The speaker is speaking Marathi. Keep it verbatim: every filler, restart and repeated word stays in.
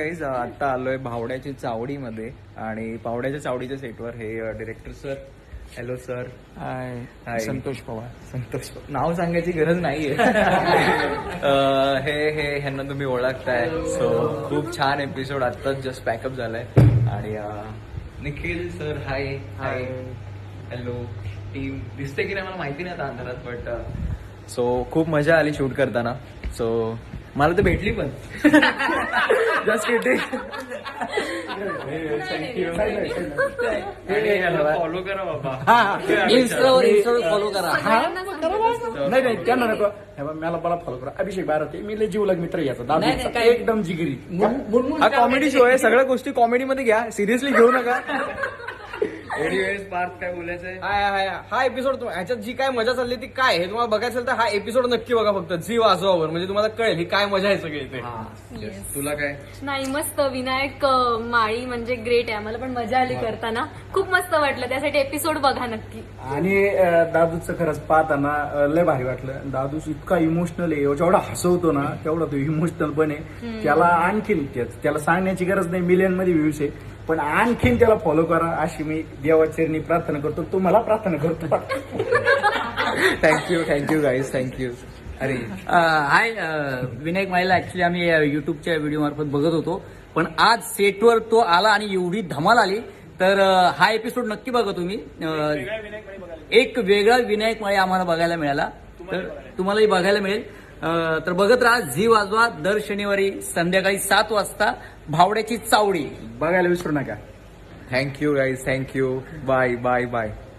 गाईज आता आलोय भावड्याची चावडीमध्ये आणि भावड्याच्या चावडीच्या सेटवर हे director sir. Hello sir. Hi. Hi. Santosh Pawar. Santosh नाव सांगायची गरज नाहीये. हे हे ह्यांना तुम्ही ओळखताय. सो खूप छान एपिसोड आत्ताच जस्ट पॅकअप झालाय. आणि Nikhil sir hi. Hi. Hello team. दिसते की नाही मला माहिती नाही आता अंधारात, बट सो खूप मजा आली शूट करताना. सो मला तर भेटली पण. Just kiting. फॉलो करा बाबा. इन्स्टावर इन्स्टावर फॉलो करा. नाही नाही त्यांना नको. मला मला फॉलो करा. अभिषेक बारते मी लय जीवलग मित्र याचा दादा एकदम जिगरी. हा कॉमेडी शो आहे. सगळ्या गोष्टी कॉमेडी मध्ये घ्या, सिरियसली घेऊ नका. एनिवेज पार्थ काय बोलायचंय? हाय हाय हा एपिसोड ह्याच्यात जी काय मजा चालली ती काय हे तुम्हाला बघायचं असेल तर हा एपिसोड नक्की बघा फक्त झी वाजवावर, म्हणजे तुम्हाला कळेल ही काय मजा आहे सगळी ते. तुला काय? नाही मस्त. विनायक अं, माळी म्हणजे ग्रेट आहे. आम्हाला पण मजा आली करताना. खूप मस्त वाटलं. त्यासाठी एपिसोड बघा नक्की. आणि अं, दादूचं खरंच पाहताना अं, लय भारी वाटलं. दादूच इतका इमोशनल आहे, जेवढा हसवतो ना तेवढा तो इमोशनल पण आहे. त्याला आणखीन त्याला सांगण्याची गरज नाही, मिलियन मध्ये व्ह्यूज आहे, पण आणखीन त्याला फॉलो करा अशी मी देवाचरणी प्रार्थना करतो. तुम्हाला प्रार्थना करतो. Thank you thank you guys thank you. अरे हाय. विनायक माळीला ऍक्च्युली आम्ही युट्यूबच्या व्हिडिओ मार्फत बघत होतो, पण आज सेटवर तो आला आणि एवढी धमाल आली. तर अं, हा एपिसोड नक्की बघा तुम्ही. अं, एक वेगळा विनायक माळी आम्हाला बघायला मिळाला, तर तुम्हालाही बघायला मिळेल. अं, तर बघत राहा झी वाजवा. दर शनिवारी संध्याकाळी सात वाजता भावड्याची चावडी बघायला विसरू नका. Thank you guys thank you. Bye bye bye.